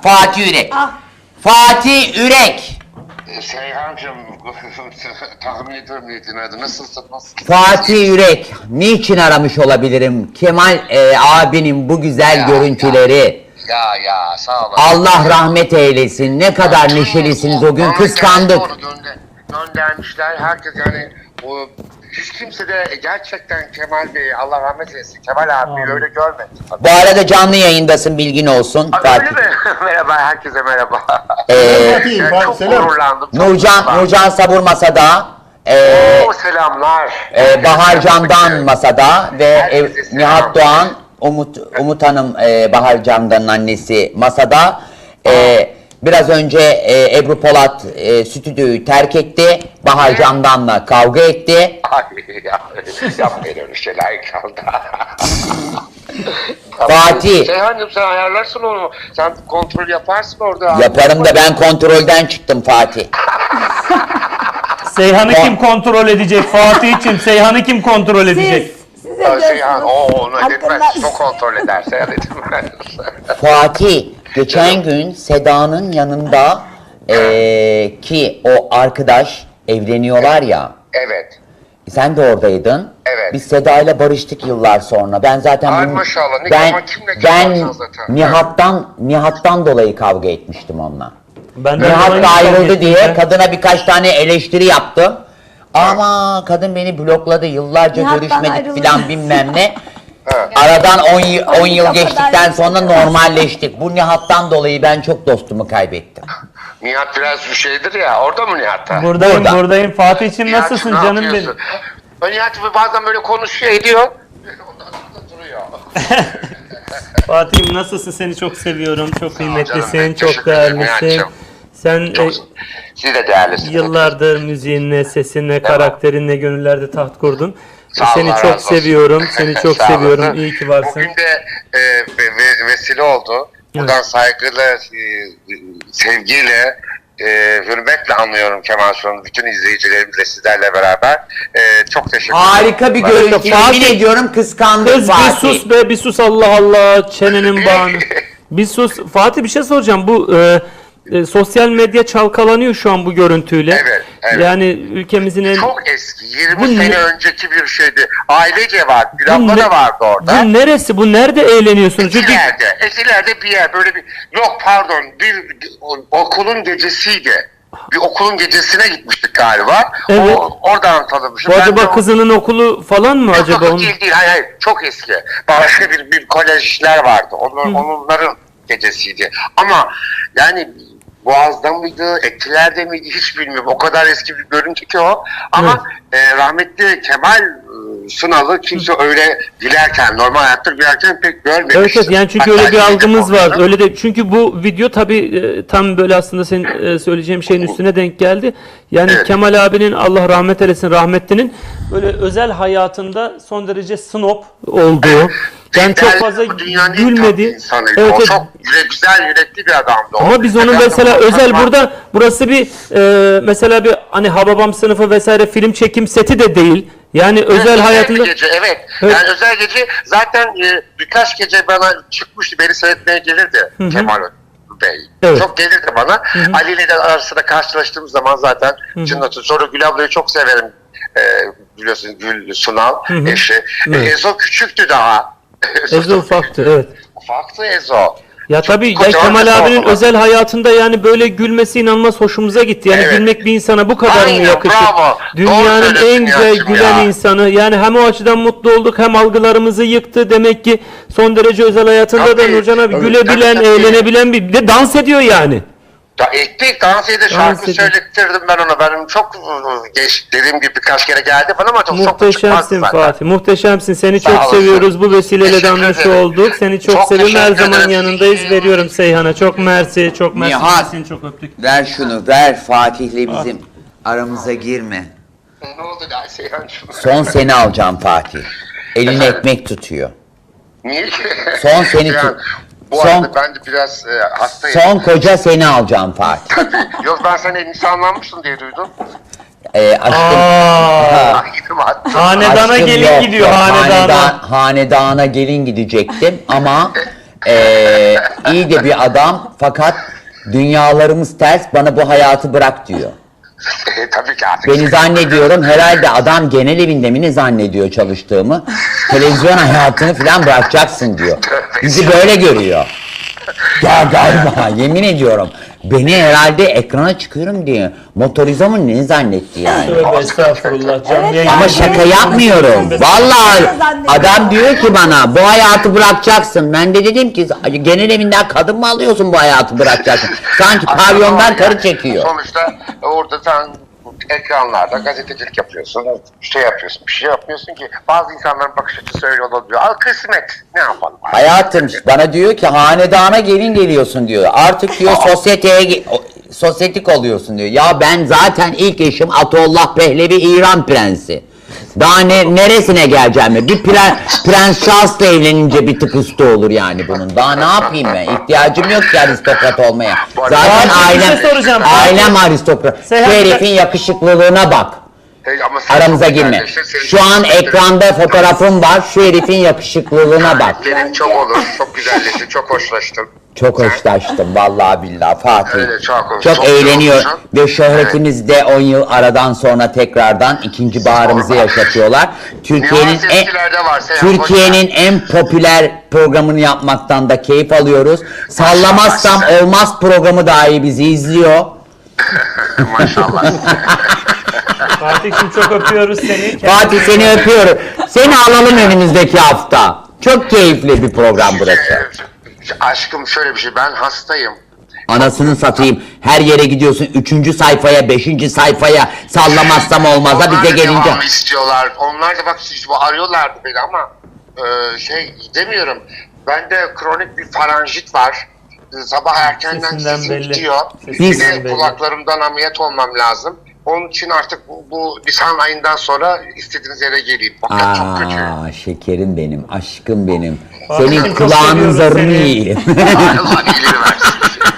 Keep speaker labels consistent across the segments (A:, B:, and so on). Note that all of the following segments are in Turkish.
A: Fatih Ürek.
B: Ah.
A: Fatih Ürek.
C: Seyhancığım, tahmin ediyorum niyetin adı. Nasılsın?
A: Fatih Ürek. Niçin aramış olabilirim? Kemal abinin bu güzel görüntüleri.
C: Ya sağ olun.
A: Allah rahmet eylesin. Ne kadar neşelisiniz o gün,
C: Bana
A: kıskandık.
C: onu göndermişler. Herkes yani o, hiç kimse de gerçekten Kemal Bey, Allah rahmet eylesin, Kemal abi öyle görmedi.
A: Bu arada canlı yayındasın, bilgin olsun.
C: Abi,
A: Fatih.
C: öyle mi? Merhaba, herkese merhaba.
A: Ee,
C: Çok gururlandım.
A: Nurcan Sabur masada.
C: Selamlar.
A: Bahar Can'dan masada ve
C: Herkese selam.
A: Nihat Doğan, Umut Hanım, Bahar Can'dan annesi masada. Biraz önce Ebru Polat stüdyoyu terk etti. Bahar Can'danla kavga etti.
C: Ay yapmayın öyle şeyler kaldı.
A: Fatih.
C: Seyhancığım sen ayarlarsın onu. Sen kontrol yaparsın orada.
A: Yaparım da ben kontrolden çıktım Fatih.
D: Seyhan'ı kim kontrol edecek? Fatih'ciğim Seyhan'ı kim kontrol edecek?
B: Siz de
C: Seyhan onu
B: Hakkında-
C: etmez. Çok kontrol eder. Seyhan etmez.
A: Fatih, geçen gün Seda'nın yanında ki o arkadaş evleniyorlar ya.
C: Evet.
A: Sen de oradaydın.
C: Evet.
A: Biz Seda ile barıştık yıllar sonra. Ben zaten
C: Ay maşallah, ne
A: ben
C: zaman kimle kim
A: ben
C: varsan zaten.
A: Nihat'tan dolayı kavga etmiştim onunla.
D: Ben de
A: Nihat
D: aynı
A: da
D: kavga
A: ayrıldı
D: ettim
A: diye
D: ya.
A: kadına birkaç tane eleştiri yaptım. Ama kadın beni blokladı. Yıllarca
B: Nihat'tan
A: görüşmedik
B: ayrıldı.
A: filan bilmem ne.
C: Evet.
A: Aradan 10 yıl
B: O
A: geçtikten
B: kadar
A: sonra normalleştik. Bu Nihat'tan dolayı ben çok dostumu kaybettim.
C: Nihat biraz bir şeydir ya. Orada mı Nihat'ta?
D: Buradayım.
A: Burada.
D: Fatih'ciğim
C: Nihat'cığım,
D: nasılsın
C: ne
D: canım benim?
C: yapıyorsun? O Nihat bazen böyle konuşuyor ediyor. Ondan sonra duruyor.
D: Fatih'im nasılsın? Seni çok seviyorum. Çok
C: canım,
D: kıymetlisin.
C: ben
D: Çok
C: teşekkür ederim
D: değerlisin.
C: Nihat'cığım.
D: Sen
C: Çok, siz de değerlisiniz.
D: yıllardır müziğinle, sesinle, karakterinle gönüllerde taht kurdun.
C: Sağ ol,
D: Seni
C: Allah
D: çok
C: razı olsun.
D: seviyorum. Seni çok
C: Sağ
D: seviyorum.
C: olasın.
D: İyi ki varsın.
C: Bugün de vesile oldu. Buradan saygıyla, sevgiyle, hürmetle anlıyorum Kemal Sun'un bütün izleyicilerimizle sizlerle beraber. Çok teşekkür ederim.
A: Harika bir görüntü.
D: Fatih-
A: Yemin ediyorum kıskandım
D: Kız bir
A: Fatih.
D: sus be, bir sus Allah Allah, çenenin bağını. Bir sus. Fatih bir şey soracağım. Bu sosyal medya çalkalanıyor şu an bu görüntüyle.
C: Evet, evet.
D: Yani ülkemizin en...
C: Çok eski, 20
D: Bu
C: sene
D: ne-
C: önceki bir şeydi. Ailece var,
D: Bu
C: Gülabla
D: ne-
C: da vardı orada.
D: Bu neresi? Bu nerede eğleniyorsunuz? Çünkü
C: Eskilerde bir yer böyle bir, yok pardon, bir okulun gecesiydi. Bir okulun gecesine gitmiştik galiba.
D: Evet.
C: Oradan tanımışım.
D: bu
C: Ben de
D: acaba
C: o-
D: kızının okulu falan mı
C: Yok,
D: acaba?
C: yok,
D: Onun...
C: değil, hayır, çok eski. Başka bir kolejler vardı. Onların gecesiydi. Ama yani Boğaz'da mıydı, Etiler'de miydi hiç bilmiyorum. O kadar eski bir görüntü ki o. Ama rahmetli Kemal Sunal'ı kimse öyle gülerken, normal hayatta gülerken pek görmemiştim.
D: Evet, evet, yani çünkü
C: Hatta
D: öyle bir
C: şeyde
D: algımız var.
C: konuştum.
D: Öyle de çünkü bu video tabii tam böyle aslında senin söyleyeceğim şeyin üstüne denk geldi. Yani
C: Evet.
D: Kemal abinin Allah rahmet eylesin rahmetlinin böyle özel hayatında son derece snob olduğu. Yani çok
C: Liderlik
D: fazla
C: bu dünyanın en
D: gülmedi.
C: tatlı insanıydı.
D: Evet,
C: O
D: evet.
C: çok güzel yürekli bir adamdı. O.
D: Ama biz onu
C: Efendim,
D: mesela
C: o
D: özel
C: zaman-
D: burada burası bir mesela bir hani Hababam sınıfı vesaire film çekim seti de değil. Yani özel hayatında
C: bir gece, evet.
D: Evet.
C: Yani özel gece zaten birkaç gece bana çıkmıştı. Beni seyretmeye gelirdi Kemal Bey.
D: Evet.
C: Çok gelirdi bana. Ali ile de arasında karşılaştığımız zaman zaten cınnatı. Sonra Gül ablayı çok severim. Biliyorsun Gül Sunal eşi.
D: Evet.
C: Ezo küçüktü daha.
D: Ezo ufaktı, evet.
C: Ufaktı Ezo.
D: Ya tabii ya
C: kocaman
D: Kemal
C: bir
D: abinin
C: sorma.
D: özel hayatında yani böyle gülmesi inanılmaz hoşumuza gitti. Yani
C: Evet.
D: gülmek bir insana bu kadar mı
C: Aynen,
D: yakışır?
C: bravo. Doğru
D: Dünyanın en
C: söylüyorsun
D: güzel
C: Nihat'cığım
D: gülen
C: ya.
D: insanı. Yani hem o açıdan mutlu olduk hem algılarımızı yıktı. Demek ki son derece özel hayatında da
C: Tabii.
D: Nurcan abi
C: Evet,
D: gülebilen,
C: tabii.
D: eğlenebilen bir de dans ediyor yani.
C: Ya ettik, dans edip şarkı
D: ediyor.
C: söylettirdim ben ona. Benim çok geç dediğim gibi birkaç kere geldi bana ama çok
D: Muhteşemsin
C: çıkmazdı zaten.
D: Fatih. Muhteşemsin. Seni
C: Sağ
D: çok
C: olasın.
D: seviyoruz. Bu vesileyle de
C: Teşekkür
D: anmış
C: ederim.
D: olduk. Seni çok,
C: Çok
D: seviyorum. Her
C: teşekkür
D: zaman
C: ederim.
D: yanındayız. Veriyorum Seyhan'a. Çok mersi. Çok mersi.
A: Nihat.
D: Seni çok öptük.
A: Ver şunu, ver Fatih'le bizim aramıza girme.
C: Ne oldu da Seyhancığım?
A: Son seni alacağım Fatih. Eline ekmek tutuyor.
C: Niye ki?
A: Son seni
C: Yani,
A: tut.
C: Bu
A: Son-
C: arada ben de biraz hastayım.
A: Son koca seni alacağım Fatih.
C: Yok ben sen nişanlanmışsın diye duydum.
A: Aşkım.
D: Aa,
C: Gittim hatta.
D: hanedana
A: Aşkım
D: gelin
A: yok,
D: gidiyor
A: yok.
D: hanedana.
A: Hanedana gelin gidecektim ama iyi de bir adam fakat dünyalarımız ters, bana bu hayatı bırak diyor.
C: Tabii ki artık.
A: Beni zannediyorum herhalde adam genel evinde mi ne zannediyor çalıştığımı, televizyon hayatını falan bırakacaksın diyor. Bizi böyle görüyor. Ya galiba yemin ediyorum beni herhalde ekrana çıkıyorum diye motorize mı ne zannetti yani.
D: Tövbe estağfurullah. Canlı
B: Evet,
D: yayın-
A: Ama şaka yapmıyorum. Vallahi adam diyor ki bana bu hayatı bırakacaksın. Ben de dedim ki genel evinden kadın mı alıyorsun bu hayatı bırakacaksın? Sanki pavyondan karı çekiyor.
C: Sonuçta orada sen ekranlarda gazetecilik yapıyorsun, şey yapıyorsun, bir şey yapmıyorsun ki bazı insanların bakış açısı öyle olabiliyor. Al kısmet, ne yapalım?
A: Hayatım bana diyor ki hanedana gelin geliyorsun diyor. Artık diyor sosyetik oluyorsun diyor. Ya ben zaten ilk eşim Atollah Pehlevi İran prensi. Daha neresine geleceğim ya? Bir Prens Charles'la evlenince bir tık üstü olur yani bunun. Daha ne yapayım ben? İhtiyacım yok ki aristokrat olmaya. Zaten
D: Fatih, bir
A: ailem,
D: şey soracağım.
A: ailem aristokrat. Şu
D: Seyhan-
A: herifin yakışıklılığına bak.
C: Ama sen
A: Aramıza
C: çok
A: girme.
C: güzelleştin, senin
A: Şu an
C: çok
A: ekranda fotoğrafım var. Şu herifin yakışıklılığına bak.
C: Senin çok olur, çok güzelleştin, çok hoşlaştın.
A: Çok hoşlaştım vallahi billahi Fatih.
C: Öyle, çok
A: çok eğleniyor
C: olmuşsun.
A: ve şöhretimiz de 10 yıl aradan sonra tekrardan ikinci baharımızı yaşatıyorlar. Türkiye'nin
C: Nüans eskilerde var, Seyhan,
A: Türkiye'nin en popüler programını yapmaktan da keyif alıyoruz. Sallamazsam
C: Maşallah.
A: olmaz programı dahi bizi izliyor.
C: Maşallah.
D: Fatih'cim çok öpüyoruz seni.
A: Fatih seni öpüyorum. Seni alalım önümüzdeki hafta. Çok keyifli bir program burası.
C: Aşkım şöyle bir şey, ben hastayım.
A: Anasını satayım. Her yere gidiyorsun. 3. sayfaya, 5. sayfaya sallamazsam olmaz'a
C: Onlar
A: bize
C: da
A: gelince.
C: devamı istiyorlar. Onlar da bak arıyorlardı beni ama demiyorum. Bende kronik bir faranjit var. Sabah erkenden
D: Sesinden
C: sesim
D: belli.
C: gidiyor.
D: Sesinden
C: Bir de
D: belli.
C: kulaklarımdan ameliyat olmam lazım. Onun için artık bu Nisan ayından sonra istediğiniz yere geleyim. Fakat çok kötü.
A: Aa şekerim benim, aşkım benim.
D: Fatih'im,
A: Senin
D: çok
A: kulağının
D: seviyoruz
A: zarını
D: seni.
A: yiyeyim.
C: Allah iyiliğini versin.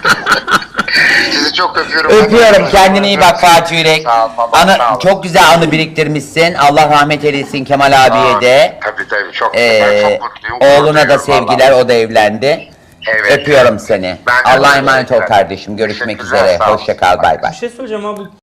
C: Sizi çok öpüyorum.
A: Öpüyorum. Kendine iyi bak Fatih Yürek.
C: Sağ ol baba, sağ ol.
A: Çok güzel anı biriktirmişsin. Allah rahmet eylesin Kemal abiye de.
C: Tabii çok ben çok mutluyum.
A: Oğluna da
C: Mutluyum,
A: sevgiler,
C: vallahi.
A: o da evlendi.
C: Evet.
A: Öpüyorum seni.
C: Ben de
A: Allah'a
C: öyle.
A: emanet ol kardeşim. Görüşmek
C: Teşekkürler,
A: üzere.
C: sağ ol.
A: Hoşça kal. Bay bay.
D: Bir şey söyleyeceğim abi.